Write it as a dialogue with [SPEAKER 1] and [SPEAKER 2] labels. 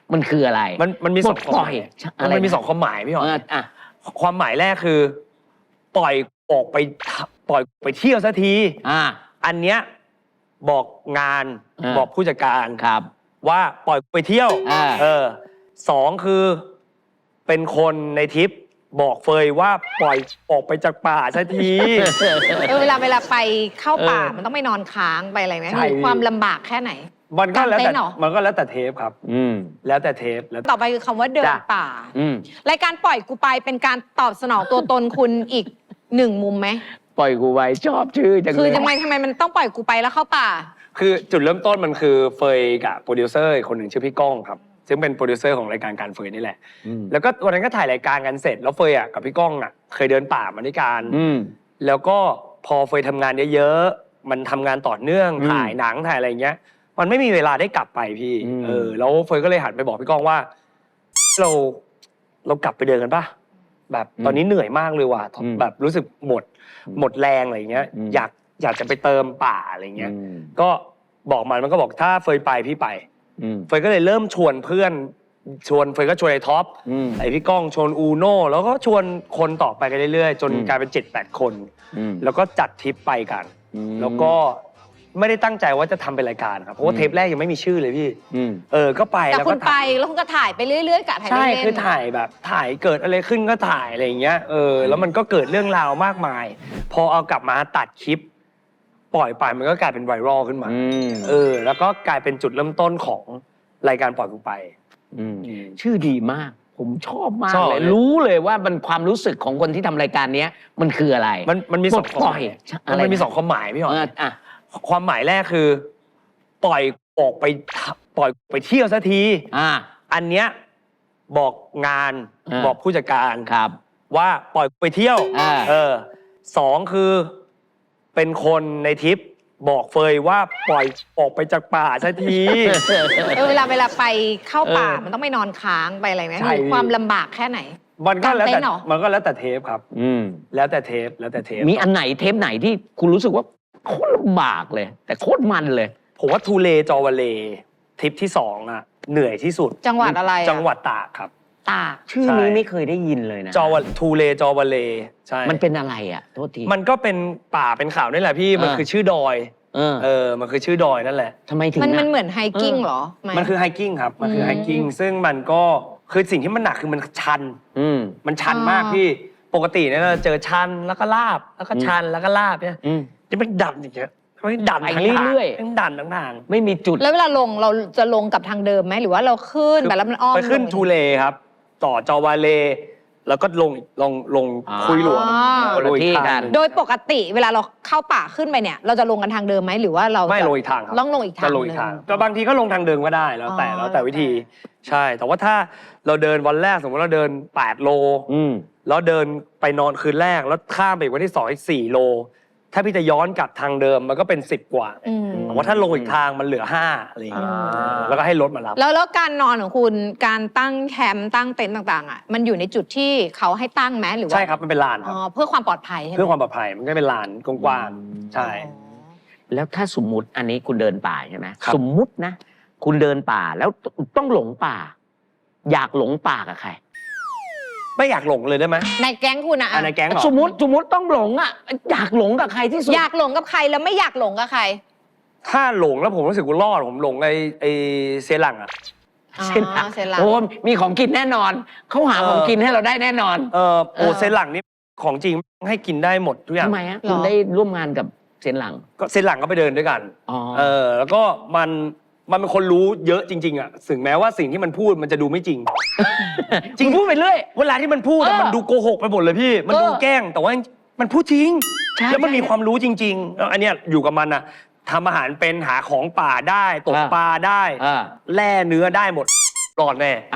[SPEAKER 1] มันคืออะไร
[SPEAKER 2] มันมีสองความหมายมันมีสองความหมายพี่หอยความหมายแรกคือปล่อยออกไปเที่ยวสักทีอันเนี้ยบอกงานบอกผู้จัดการ
[SPEAKER 1] ครับ
[SPEAKER 2] ว่าปล่อยไปเที่ยวสองคือเป็นคนในทริปบอกเฟยว่าปล่อยออกไปจากป่าสักที
[SPEAKER 3] เวลาไปเข้าป่ามันต้องไปนอนค้างไปอะไรไหมมีความลำบากแค่ไหน
[SPEAKER 2] มันก็แล้วแต่เทปครับแล้วแต่เทปแล้ว
[SPEAKER 3] ต่อไปคือคำว่าเดินป่ารายการปล่อยกูไปเป็นการตอบสนองตัวตนคุณอีกหนึ่งมุมไหม
[SPEAKER 1] ปล่อยกูไปชอบชื่อจังเลย
[SPEAKER 3] คือทำไมมันต้องปล่อยกูไปแล้วเข้าป่า
[SPEAKER 2] คือจุดเริ่มต้นมันคือเฟยกับโปรดิวเซอร์คนหนึ่งชื่อพี่ก้องครับซึ่งเป็นโปรดิวเซอร์ของรายการการเฟยนี่แหละแล้วก็วันนั้นก็ถ่ายรายการกันเสร็จแล้วเฟยกับพี่ก้องเคยเดินป่ามาด้วยกันแล้วก็พอเฟยทำงานเยอะๆมันทำงานต่อเนื่องถ่ายหนังถ่ายอะไรเงี้ยมันไม่มีเวลาได้กลับไปพี่แล้วเฟยก็เลยหันไปบอกพี่ก้องว่าเรากลับไปเดินกันป่ะแบบตอนนี้เหนื่อยมากเลยว่ะแบบรู้สึกหมดแรงอะไรเงี้ยอยากจะไปเติมป่าอะไรเงี้ยก็บอกมันก็บอกถ้าเฟยไปพี่ไปเฟยก็เลยเริ่มชวนเพื่อนเฟยก็ชวนไอ้ท็อปไอ้พี่ก้องชวนอูโน่แล้วก็ชวนคนต่อไปกันเรื่อยๆจนกลายเป็น 7-8 คนแล้วก็จัดทริปไปกันแล้วก็ไม่ได้ตั้งใจว่าจะทำเป็นรายการครับเพราะว่าเทปแรกยังไม่มีชื่อเลยพี่ก็ไป
[SPEAKER 3] แล้วก็ไปแล้วคุณก็ถ่ายไปเรื่อยๆกะถ่ายเล่น
[SPEAKER 2] ใช่คือถ่ายแบบถ่ายเกิดอะไรขึ้นก็ถ่ายอะไรอย่างเงี้ยแล้วมันก็เกิดเรื่องราวมากมายพอเอากลับมาตัดคลิปปล่อยไปมันก็กลายเป็นไวรัลขึ้นมาแล้วก็กลายเป็นจุดเริ่มต้นของรายการปล่อยกูไป
[SPEAKER 1] ชื่อดีมากผมชอบมากเลยรู้เลยว่ามันความรู้สึกของคนที่ทำรายการนี้มันคืออะไร
[SPEAKER 2] มันมีสองความหมายมันมีสองความหมายพี่หอยความหมายแรกคือปล่อยออกไปเที่ยวสักทีอันเนี้ยบอกงานบอกผู้จัดการ
[SPEAKER 1] ครับ
[SPEAKER 2] ว่าปล่อยไปเที่ยวสองคือเป็นคนในทริปบอกเฟยว่าปล่อยออกไปจากป่าสักที
[SPEAKER 3] เวลาไปเข้าป่ามันต้องไปนอนค้างไปอะไรไหมมีความลำบากแค่ไหน
[SPEAKER 2] มันก็แล้วแต่เทปครับแล้วแต่เทป
[SPEAKER 1] มีอันไหนเทปไหนที่คุณรู้สึกว่าโคตรลำบากเลยแต่โคตรมันเลย
[SPEAKER 2] ผมว่าทูเลจอวาเลทริปที่2เหนื่อยที่สุด
[SPEAKER 3] จังหวัดอะไร
[SPEAKER 2] จังหวัดตากครับ
[SPEAKER 3] ตาก
[SPEAKER 1] ชื่อนี้ไม่เคยได้ยินเลยนะ
[SPEAKER 2] ทูเลจอวาเลใช่
[SPEAKER 1] มันเป็นอะไรโทษที
[SPEAKER 2] มันก็เป็นป่าเป็นเขานี่แหละพี่มันคือชื่อดอยมันคือชื่อดอยนั่นแหละ
[SPEAKER 1] ทำไมถึง
[SPEAKER 3] มันเหมือนไฮกิ้งเหรอ
[SPEAKER 2] มันคือไฮกิ้งครับมันคือไฮกิ้งซึ่งมันก็คือสิ่งที่มันหนักคือมันชันมันชันมากพี่ปกติเนี่ยเราเจอชันแล้วก็ลาบแล้วก็ชันแล้วก็ลาบเนี่ยจะเป็นดันอย่างเงี้ยมันดัน
[SPEAKER 1] ไปเรื่อย
[SPEAKER 2] ๆดันทั้งทาง
[SPEAKER 1] ไม่มีจุด
[SPEAKER 3] แล้วเวลาลงเราจะลงกับทางเดิมไหมหรือว่าเราขึ้นแบบแล้วมันอ้อม
[SPEAKER 2] ไปขึ้นทูเลครับต่อจอวาเลแล้วก็ลงคุยหลวง
[SPEAKER 1] ที่กัน
[SPEAKER 3] โดยปกติเวลาเราเข้าป่าขึ้นไปเนี่ยเราจะลงกันทางเดิมไหมหรือว่าเรา
[SPEAKER 2] ไม่ลงอีกทางครับ
[SPEAKER 3] ต้องลงอีกทาง
[SPEAKER 2] จะลงอีกทางแต่บางทีก็ลงทางเดิมก็ได้แล้วแต่วิธีใช่แต่ว่าถ้าเราเดินวันแรกสมมติเราเดิน8 โลแล้วเดินไปนอนคืนแรกแล้วข้ามไปวันที่2อีก4 โลถ้าพี่จะย้อนกลับทางเดิมมันก็เป็น10 กว่าแต่ว่าถ้าลงอีกทางมันเหลือ5อะไรอย่างเงี้ยแล้วก็ให้รถมารับ
[SPEAKER 3] แล้วการนอนของคุณการตั้งแคมป์ตั้งเต็นท์ต่างๆมันอยู่ในจุดที่เขาให้ตั้งไหมหรือว่า
[SPEAKER 2] ใช่ครับมันเป็นลานครับ
[SPEAKER 3] เพื่อความปลอดภัยใช่ไหม
[SPEAKER 2] เพื่อความปลอดภัยมันก็เป็นลานกว้างๆใช่
[SPEAKER 1] แล้วถ้าสมมุติอันนี้คุณเดินป่าใช่ไหมสมมุตินะคุณเดินป่าแล้วต้องหลงป่าอยากหลงป่ากับใคร
[SPEAKER 2] ไม่อยากหลงเลยได้ไหม
[SPEAKER 3] ในแก๊งคุณ
[SPEAKER 2] ในแก๊ง
[SPEAKER 1] สมมติต้องหลงอยากหลงกับใครที่สุด
[SPEAKER 3] อยากหลงกับใครแล้วไม่อยากหลงกับใคร
[SPEAKER 2] ถ้าหลงแล้วผมรู้สึกว่ารอดผมหลงไอเซรัง
[SPEAKER 1] เซรังโอ้มีของกินแน่นอนเขาหาของกินให้เราได้แน่นอน
[SPEAKER 2] เซรังนี่ของจริงให้กินได้หมดทุกอย่าง
[SPEAKER 1] ทำไมคุณได้ร่วมงานกับเซรัง
[SPEAKER 2] ก็เซรังก็ไปเดินด้วยกันแล้วก็มันเป็นคนรู้เยอะจริงๆถึงแม้ว่าสิ่งที่มันพูดมันจะดูไม่จริง
[SPEAKER 1] จริงพูดไปเรื่อย
[SPEAKER 2] เวลาที่มันพูดมันดูโกหกไปหมดเลยพี่มันดูแกล้งแต่ว่ามันพูดจริงแล้วมันมีความรู้จริงๆอันเนี้ยอยู่กับมันทำอาหารเป็นหาของป่าได้ตกปลาได้แล่เนื้อได้หมดรอดแน่